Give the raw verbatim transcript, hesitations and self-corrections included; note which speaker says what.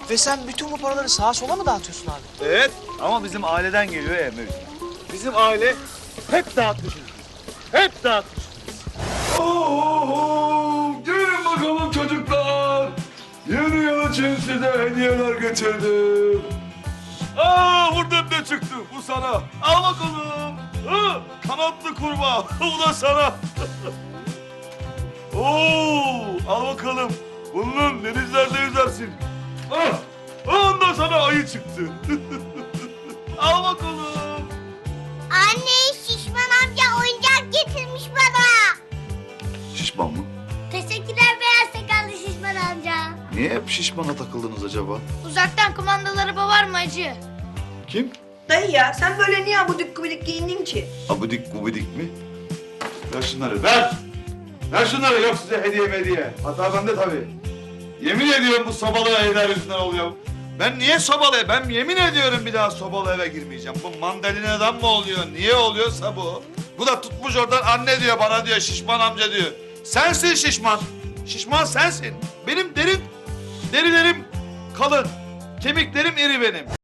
Speaker 1: Ve sen bütün bu paraları sağa sola mı dağıtıyorsun abi?
Speaker 2: Evet ama bizim aileden geliyor ya mevcut. Bizim aile hep dağıtmışız. Hep dağıtmışız.
Speaker 3: Oo, gelin bakalım çocuklar. Yeni yıl için size hediyeler getirdim. Aa, buradan ne çıktı? Bu sana. Al bakalım. Ha, kanatlı kurbağa. Bu da sana. Oo, al bakalım. Bunun denizlerde yüzersin. Ah, ondan sana ayı çıktı. Al bakalım.
Speaker 4: Anne, Şişman amca oyuncak getirmiş bana.
Speaker 3: Şişman mı?
Speaker 4: Teşekkürler beyaz sakallı Şişman amca.
Speaker 3: Niye hep şişmana takıldınız acaba?
Speaker 4: Uzaktan kumandalı araba var mı acı?
Speaker 3: Kim?
Speaker 5: Dayı ya sen böyle niye abudik gubidik giyindin ki?
Speaker 3: Abidik gubidik mi? Ver şunları, ver! Ver şunları, yok size hediye hediye. Hata bende tabii. Yemin ediyorum bu sobalı evler yüzünden oluyor. Ben niye sobalı? Ben yemin ediyorum bir daha sobalı eve girmeyeceğim. Bu mandalinadan mı oluyor? Niye oluyorsa bu? Bu da tutmuş oradan anne diyor, bana diyor, şişman amca diyor. Sensin şişman. Şişman sensin. Benim derim, derilerim kalın. Kemiklerim iri benim.